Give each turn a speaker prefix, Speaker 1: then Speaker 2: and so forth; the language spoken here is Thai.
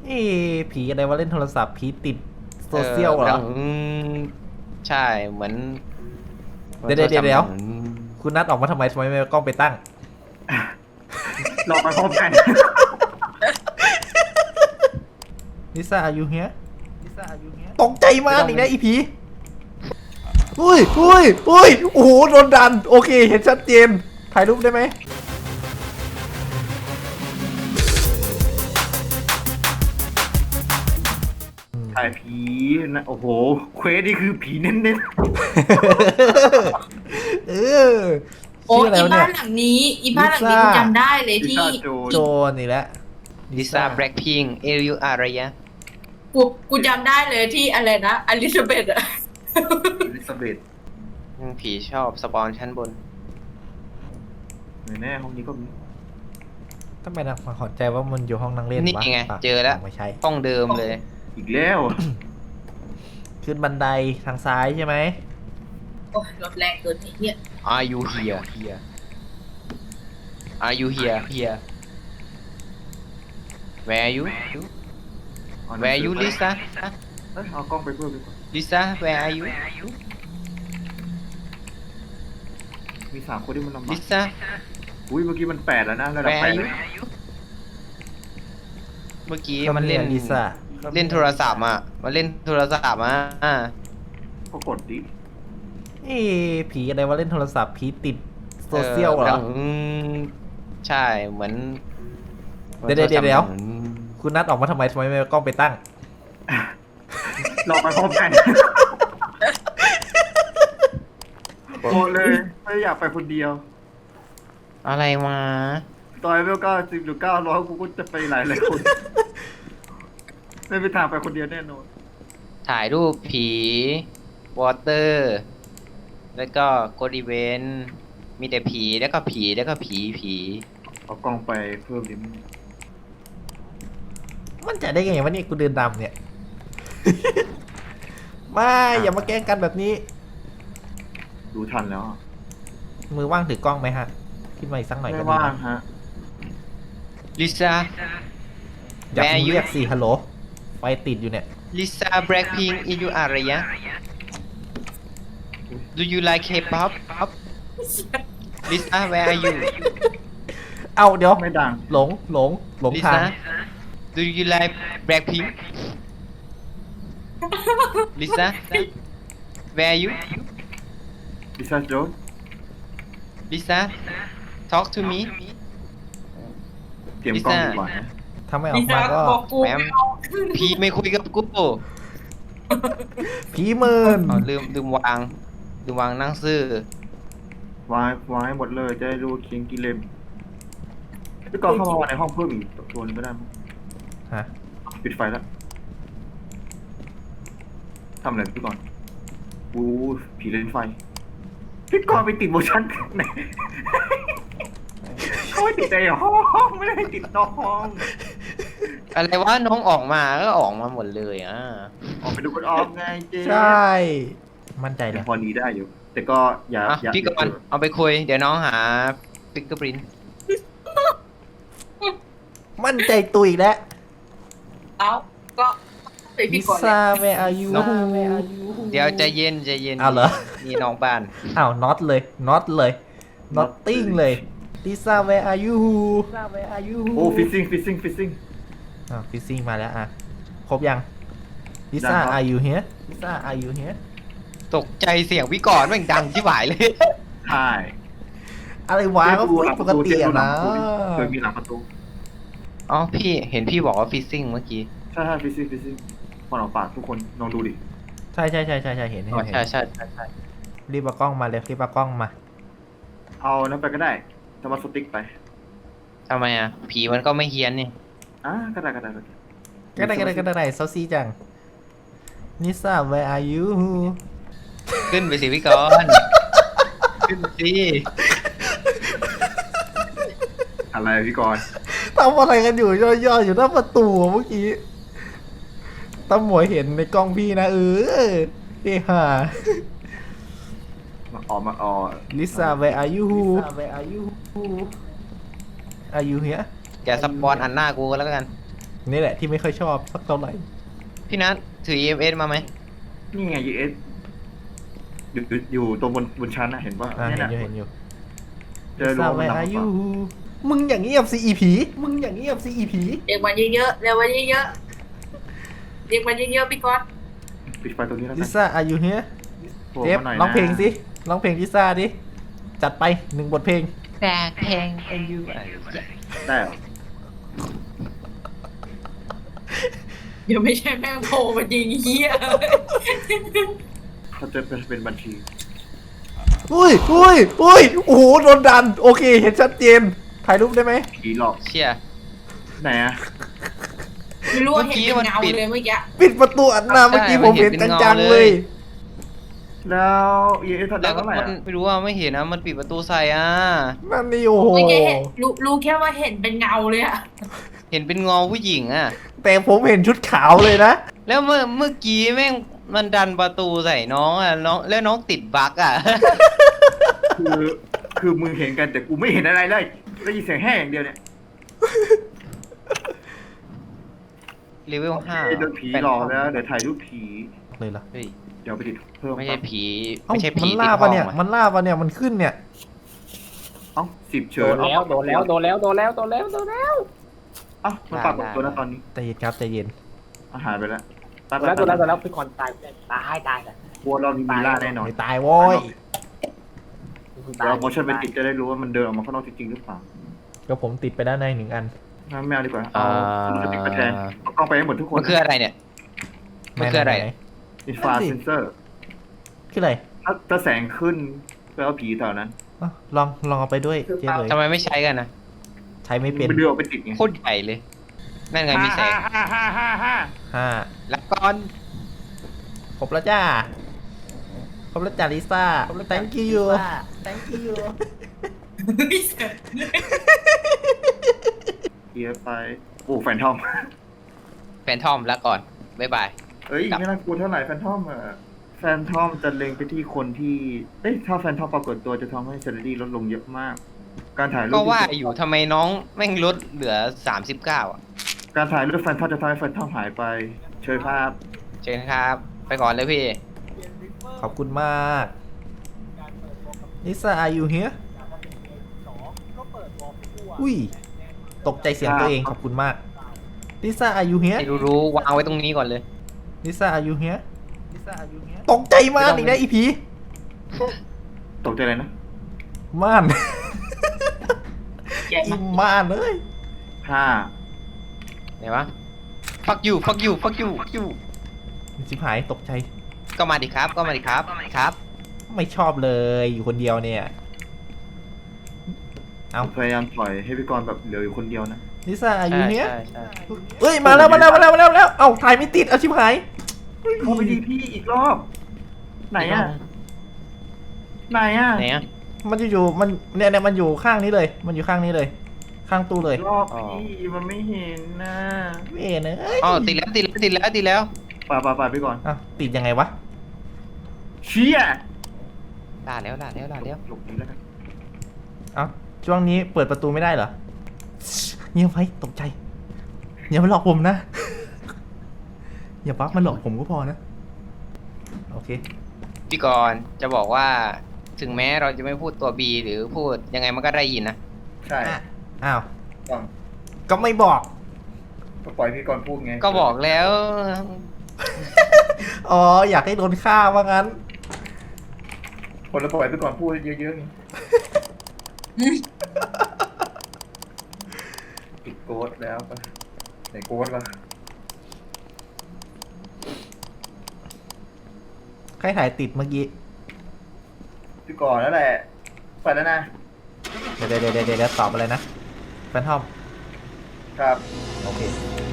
Speaker 1: เอ๊ะผีอะไรวะเล่นโทรศัพท์ผีติดโซ
Speaker 2: เออ
Speaker 1: เชียลเหรอ
Speaker 2: ใช่เหมือน
Speaker 1: เดี๋ยว
Speaker 2: โทรศัพท์
Speaker 1: เดี๋ยว
Speaker 2: เหมือน
Speaker 1: คุณนัดออกมาทำไมไม่เอากล้องไปตั้ง
Speaker 3: เราไปพร้อมกัน
Speaker 1: ลิซ่าอายุเฮียตกใจมากอีกนะอีผีอุ้ยโอ้โหโดนดันโอเคเห็นชัดเจนถ่ายรูปได้ไหม
Speaker 3: ถ่ายผีนะโอ้โหเควสนี่คือผีเน้น
Speaker 1: เออ
Speaker 4: โอ้
Speaker 1: ชื่ออะไร
Speaker 4: อี
Speaker 1: วะเนี่
Speaker 4: บ้าย นหลังนี้อีบ้านหลังนี้
Speaker 1: ลิซ่า
Speaker 4: กูจำได้เลย
Speaker 3: ๆพิ
Speaker 4: ที่
Speaker 3: ซซ่าโจร
Speaker 1: โจนอีกแล้ว
Speaker 2: ลิซ่าแบล็คพิงเอริวอารยะ
Speaker 4: กูจำได้เลยที่อะไรนะอลิซาเบธอะ
Speaker 3: อลิซาเบธ
Speaker 2: ผีชอบสปอนชั้นบน
Speaker 3: แน่ห้องนี้ก็มี
Speaker 1: ทำไมนะมาขอใจว่ามันอยู่ห้องนั่งเล่น
Speaker 2: นี่
Speaker 1: วะ
Speaker 2: ไง
Speaker 1: ปะ
Speaker 2: เจอแล้ว
Speaker 1: ไม่ใช่
Speaker 2: ห้องเดิมเลย
Speaker 3: อีกแล้ว
Speaker 1: ขึ้นบันไดทางซ้ายใช่ไหม
Speaker 4: โอ้ยรถแรงเกินไอ้เหี้ย
Speaker 2: Are you here Are you here Where are you Where are you Lisa
Speaker 3: เอ้ยเอากล้องไปเพิ่มดีกว่า
Speaker 2: Lisa Where are you
Speaker 3: มี3 คนที่มันลำบาก
Speaker 2: Lisa
Speaker 3: อุ้ยเมื่อกี้มัน8แล้วนะระดับ
Speaker 2: Where
Speaker 3: 8
Speaker 2: are
Speaker 3: เล
Speaker 2: you
Speaker 3: ย
Speaker 2: เมื่อกี้มันเล่น
Speaker 1: ลิซ่า
Speaker 2: เล่นโทรศัพท์อ่ะมันเล่นโทรศัพท์อ่ะ
Speaker 3: ก็กดดิ
Speaker 1: เอ๊ะผีอะไรวะเล่นโทรศัพท์ผีติดโซเชียลเหรอ
Speaker 2: ใช่เหมือน
Speaker 1: เดี๋ยว
Speaker 2: โทรศัพท์
Speaker 1: เดี๋ยว
Speaker 2: หมือน
Speaker 1: คุณนัดออกมาทำไมไม่เอากล้องไปตั้ง
Speaker 3: เราไปพร้อมกันโอ้เลยไม่อยากไปคนเดียว
Speaker 2: อะไรมา
Speaker 3: ตอนเวล90หรือ900กูก็จะไปหลายคนไม่ไปทางไปคนเดียวแน่นอน
Speaker 2: ถ่ายรูปผีวอเตอร์ แล้วก็โกดีเวนมีแต่ผีแล้วก็ผีแล้วก็ผี
Speaker 3: เอากล้องไปเพิ่มดิ
Speaker 1: มันจะได้ไงวะเนี่ยกูเดินดำเนี่ย ไม่อย่ามาแกล้งกันแบบนี้
Speaker 3: ดูทันแล้วอะ
Speaker 1: มือว่างถือกล้องไหมฮะขึ้นมาอีกสักหน่อยก็
Speaker 3: ไม่
Speaker 1: ดี
Speaker 3: ว่าง
Speaker 1: นะ
Speaker 3: ฮะ
Speaker 2: ลิซ่า
Speaker 1: อย่า
Speaker 2: Where
Speaker 1: เพิ่ง
Speaker 2: you?
Speaker 1: เรียกสิฮัลโหลไฟติดอยู่เนี่ย
Speaker 2: ลิซ่าแบล็คพิงอินยูอารยะ Do you like K-pop ลิซ่า Where are you
Speaker 1: เอาเดี๋ยว
Speaker 3: ไม่ดัง
Speaker 1: หลง
Speaker 2: ลิ
Speaker 1: ทาง
Speaker 2: ซ่า Do you like Blackpink ลิซ่า Where are you
Speaker 3: พิซซ่าโจน
Speaker 2: ลิซ่า Talk to me
Speaker 3: เตรียมกล้องดีกว่านะ
Speaker 1: ถ้าไม่ออ
Speaker 4: ลิ
Speaker 1: กมา
Speaker 4: ซ่า
Speaker 1: ก็
Speaker 4: บอกกู
Speaker 2: แหม พี่ไม่คุยกับกู
Speaker 1: ผีหมื่น
Speaker 2: อ๋อลืมวางหนั่งซื้อ
Speaker 3: วางให้หมดเลยจะได้รู้ว่าเคียงกี่เล่มพี่กองเข้ามาวางในห้องเพิ่มอีกตัวนึงก็ได้มั้ง
Speaker 1: ฮะ
Speaker 3: ปิดไฟแล้วทำอะไรพี่กอนอู้ผีเล่นไฟพี่กอนไปติดโมชั่นไหนเขาไม่ติดในห้องไม่ได้ติดนอกห้อง
Speaker 2: อะไรว่าน้องออกมาก็ออกมาหมดเลยอ่ะ
Speaker 3: ออกไปดูกันออกไงเจ๊
Speaker 1: ใช่มั่นใจเลย
Speaker 3: พอนี้ได้อยู่ แต่ก็อย่า
Speaker 2: อ่ะ
Speaker 3: อย่า
Speaker 2: พี่กอนเอาไปคุย เดี๋ยวน้องหาฟิกเกอร์ปริน
Speaker 1: มั่นใจตุยแล้ว
Speaker 4: เอาก็ไป
Speaker 1: ลิ
Speaker 4: พี่ก่อนเลย
Speaker 1: ซ่าแวร์อายุ
Speaker 2: เดี๋ยวใจเย็น
Speaker 1: อ้าวเหรอ
Speaker 2: นี่น้องบ้าน
Speaker 1: อ้าวน็อตเลย nothing เลยลิซ่าแวร์อายุ
Speaker 3: โอ้ฟิซซิ่ง
Speaker 1: อ่ะฟิซซิ่งมาแล้วอ่ะครบยังลิซ่า
Speaker 3: ยังครับ
Speaker 1: อายุเฮียลิซ่าอายุเฮีย
Speaker 2: ตกใจเสียงพี่กอนแม่งดังที่หวายเลย
Speaker 3: ใช่
Speaker 1: อะไรวะก็พูดปกติอะนะ
Speaker 3: เคยมีหลังประตู
Speaker 2: อ๋อพี่เห็นพี่บอกว่าฟิซซิ่งเมื่อกี้
Speaker 3: ใช่ฟิซซิ่งคนออกปากทุกคนลองดูดิ
Speaker 1: ใช่เห็น
Speaker 2: อ๋อ
Speaker 1: เห็น
Speaker 2: ใช่
Speaker 1: รีบเอากล้องมาเลยรีบเอากล้องมา
Speaker 3: เอานั้นไปก็ได้สมาร์ทสติ๊กไป
Speaker 2: ทำไมอ่ะ ผีมันก็ไม่เฮี้ยนนี่
Speaker 3: ก็ได้
Speaker 1: ก็ได้เซาซีจังนิซ่า where are you
Speaker 2: ขึ้นไปสิพี่กอน ขึ้นไปสิ
Speaker 3: อะไรพี่กรณ์
Speaker 1: ทำอะไรกันอยู่ย่อๆอยู่หน้าประตูเมื่อกี้ตำหมวยเห็นในกล้องพี่นะเฮฮ่า
Speaker 3: มาออก
Speaker 1: ลิซ่า where are you are you here
Speaker 2: อย่าสปอนอันหน้ากูก็แล้วกัน
Speaker 1: นี่แหละที่ไม่ค่อยชอบสักเท่าไหร่
Speaker 2: พี่นัทถือ EMS มาไหม
Speaker 3: นี่ไง US อยู่ตรงบนชั้นนะเห็นป่ะ
Speaker 1: เห็
Speaker 3: เนี่ย
Speaker 1: นอยู่เห็นอยู่
Speaker 3: เจอรู้ว่ามัน
Speaker 1: Where
Speaker 3: นำ
Speaker 1: are
Speaker 3: มา
Speaker 1: you มึงอย่างเงียบสิอีผีมึงอย่างเงียบสิอีผี
Speaker 4: เรียกมันเยอะๆเรียกมันเยอะๆเรียกมันเยอะๆพี่ก๊อต
Speaker 3: ปิดไฟตรงนี้แล้ว
Speaker 1: ลิ
Speaker 3: กัน
Speaker 1: ซ่า are you here
Speaker 3: โผล่
Speaker 1: เจฟ
Speaker 3: มาหน่อยนะ
Speaker 1: ร้องเพลงสิร้องเพลงลิซ่าดิจัดไป1 บทเพลง
Speaker 2: แต่เพลง you
Speaker 3: ได้เหรอ
Speaker 4: เดี๋ยวไม่ใช่แม่งโผล่มายิงเหี้ย
Speaker 3: เขาจะเป็นบัญชี
Speaker 1: อุ้ยโอ้โหโดนดันโอเคเห็นชัดเจนถ่ายรูปได้ไหม
Speaker 3: ผีหลอก
Speaker 2: เชียร์
Speaker 3: ไหนอะ
Speaker 4: ไม่รู้ว่าเห็นเป็นเงา
Speaker 2: เมื่อกี้มันปิด
Speaker 4: เลยเมื่อกี้
Speaker 1: ปิดประตูอัดหน้าเมื่อกี้ผมเห็นจังๆเลย
Speaker 3: แล้ว ES ทัน
Speaker 2: แล้ว
Speaker 3: เท่าไหร่
Speaker 2: มัน
Speaker 3: อะ
Speaker 2: ไม่รู้ว่าไม่เห็นนะมันปิดประตูใส่อ่ะ
Speaker 1: นั่นนี่โอ้โห
Speaker 4: เมื่อกี้เห็นรู้แค่ว่าเห็นเป็นเงาเลยอะ
Speaker 2: เห็นเป็นเงาผู้หญิงอ่ะ
Speaker 1: แต่ผมเห็นชุดขาวเลยนะ
Speaker 2: แล้วเมื่อกี้แม่งมันดันประตูใส่น้องอ่ะน้องแล้วน้องติดบั๊กอ่ะ
Speaker 3: คือมึงเห็นกันแต่กูไม่เห็นอะไรเลยได้ยินเสียงแห้งอย่างเดียวเนี่ย
Speaker 2: เลเวลห้า
Speaker 3: โดนผีหลอกแล้วเดี๋ยวถ่ายรูปผี
Speaker 1: เลยเหรอ
Speaker 2: เฮ้ย
Speaker 3: เดี๋ยวไปติดเพิ่ม
Speaker 2: ไม่ใช่ผี
Speaker 1: เอ้า
Speaker 2: ไม่ใช่ผี
Speaker 1: มัน
Speaker 2: ติ
Speaker 1: ล่า
Speaker 2: ดห้
Speaker 1: ปะ
Speaker 2: อง
Speaker 1: เนี่ย
Speaker 2: อะ
Speaker 1: มันล่าปะเนี่ยมันขึ้นเนี่ย
Speaker 3: เอ้า10 เชิ
Speaker 5: โด
Speaker 3: ญ
Speaker 5: นแล้วโดนแล้วโดนแล้วโดนแล้วโดนแล้วโดนแล้ว
Speaker 3: เอ้ามันปรากฏตัวแล้วตอนนี้
Speaker 1: ใจเย็นครับใจเย็น
Speaker 3: อาหารไปแล้ว
Speaker 5: โดนแล้วโดนแล้วโดนแล้วพี่คอนตายตายเลย
Speaker 3: กลัวเรามีมีล่าแน่นอน
Speaker 1: ไม่ตายโว้ย
Speaker 3: เดี๋ยวเราโมชั่นไปติดจะได้รู้ว่ามันเดินออกมาข้างนอกจริงๆหรือเปล่า
Speaker 1: ก็ผมติดไปด้านใน1 อัน
Speaker 3: งั้นไม่เอาดีกว่าเอาสติกมาแทนเอากล้องไปให้หมดทุกคน
Speaker 2: มันคืออะไรเนี่ย มันคืออะไร
Speaker 1: หน
Speaker 3: อินฟราเซนเซอร์
Speaker 1: คืออะไร
Speaker 3: ถ้าแสงขึ้นแปลว่าผีแถวนั้น
Speaker 1: อ่ะลองเอาไปด้วยเจ๊เลย
Speaker 2: ทำไมไม่ใช้กันนะ
Speaker 1: ใช้ไม่เป็น
Speaker 3: มันเดือดไปติดไง
Speaker 2: โคตรใหญ่เลย นั่นไงมีแสง
Speaker 1: 5
Speaker 2: ละก่อน
Speaker 1: ครบแล้วจ้าครบแล้วจ้าลิซ่า thank you thank you
Speaker 3: เกียร์ไปโอ้แฟนทอม
Speaker 2: แฟนทอมละก่อนบ๊ายบาย
Speaker 3: เอ้ยไม่น่ากลัวเท่าไหร่แฟนทอมอะแฟนทอมจะเล็งไปที่คนที่เอ้ยถ้าแฟนทอมปรากฏตัวจะทำให้เซเลรี่ลดลงเยอะมาก การถ่ายรูป
Speaker 2: ก็ว่าอยู่ทำไมน้องแม่งลดเหลือ 39 อ่ะ
Speaker 3: การถ่ายรูปแฟนทอมจะทำให้แฟนทอมหายไปเชิญภาพ
Speaker 2: เชิญครับ ไปก่อนเลยพี่
Speaker 1: ขอบคุณมากลิซ่า are you here อุ้ยตกใจเสียงตัวเองขอบคุณมากลิซ่า are you here
Speaker 2: ให้รู้ๆวางไว้ตรงนี้ก่อนเลย
Speaker 1: ลิซ่า are you here ตกใจมากอีกนะอีผี
Speaker 3: ตกใจอะไรนะ
Speaker 1: ม่าน
Speaker 4: ใหญ่
Speaker 1: อี
Speaker 4: มาก
Speaker 1: ม่านเลย
Speaker 3: 5
Speaker 2: ไหนวะ fuck you fuck you fuck you fuck you
Speaker 1: ชิบหายตกใจ
Speaker 2: ก็มาดิครับ ก็มาดิครับ ครับ
Speaker 1: ไม่ชอบเลยอยู่คนเดียวเนี่ย เอา
Speaker 3: พยายามถอยให้พี่กรณ์แบบเหลืออยู่คนเดียวนะ
Speaker 1: ลิซ่า are you
Speaker 2: ใช่
Speaker 1: here
Speaker 2: ใช่ใช่
Speaker 1: เอ้ยมาแล้วเอ้าถ่ายไม่ติดเอาชิบหาย
Speaker 3: เข้าไปดีพี่อีกรอบ ไหนอะไหนอะ
Speaker 2: ไหนอ่ะ
Speaker 1: มันอยู่มันเนี่ยมันอยู่ข้างนี้เลย มันอยู่ข้างนี้เลย ข้างตู้เลย
Speaker 3: อีกรอบพี่มันไม่เห็นนะ
Speaker 1: เว้ยเนย
Speaker 2: อ๋อติดแล้วติดแล้วติดแล้วติดแล้ว
Speaker 3: ป่าพี่กรณ์
Speaker 1: อ้าวติดยังไงวะ
Speaker 3: เชี่ย
Speaker 2: ด่าแล้วด่าแล้วด่าแล้ว
Speaker 3: หลบนี้แล้วกัน
Speaker 1: เอ้าช่วงนี้เปิดประตูไม่ได้เหรอเงียบไว้ตกใจอย่ามาหลอกผมนะ อย่าบักมาหลอกผมก็พอนะโอเค
Speaker 2: พี่กรณ์จะบอกว่า ถึงแม้เราจะไม่พูดตัว B หรือพูดยังไงมันก็ได้ยินนะ
Speaker 3: ใช่
Speaker 1: อ้าว
Speaker 3: ก่อน
Speaker 1: ก็ไม่บอก
Speaker 3: ก็ปล่อยพี่กรณ์พูดไง
Speaker 2: ก็บอกแล้ว
Speaker 1: อ๋ออยากให้โดนฆ่าว่างั้น
Speaker 3: คนละปล่อยพี่กรณ์พูดเยอะๆไงปิดโกดแล้วปะไหนโกดล่ะ
Speaker 1: ใครถ่ายติดเมื่อกี้
Speaker 3: พี่กรณ์นั่นแหละไปแล้วนะ
Speaker 1: เดี๋ยวตอบอะไรนะแฟนทอม
Speaker 3: ครับ
Speaker 1: โอเค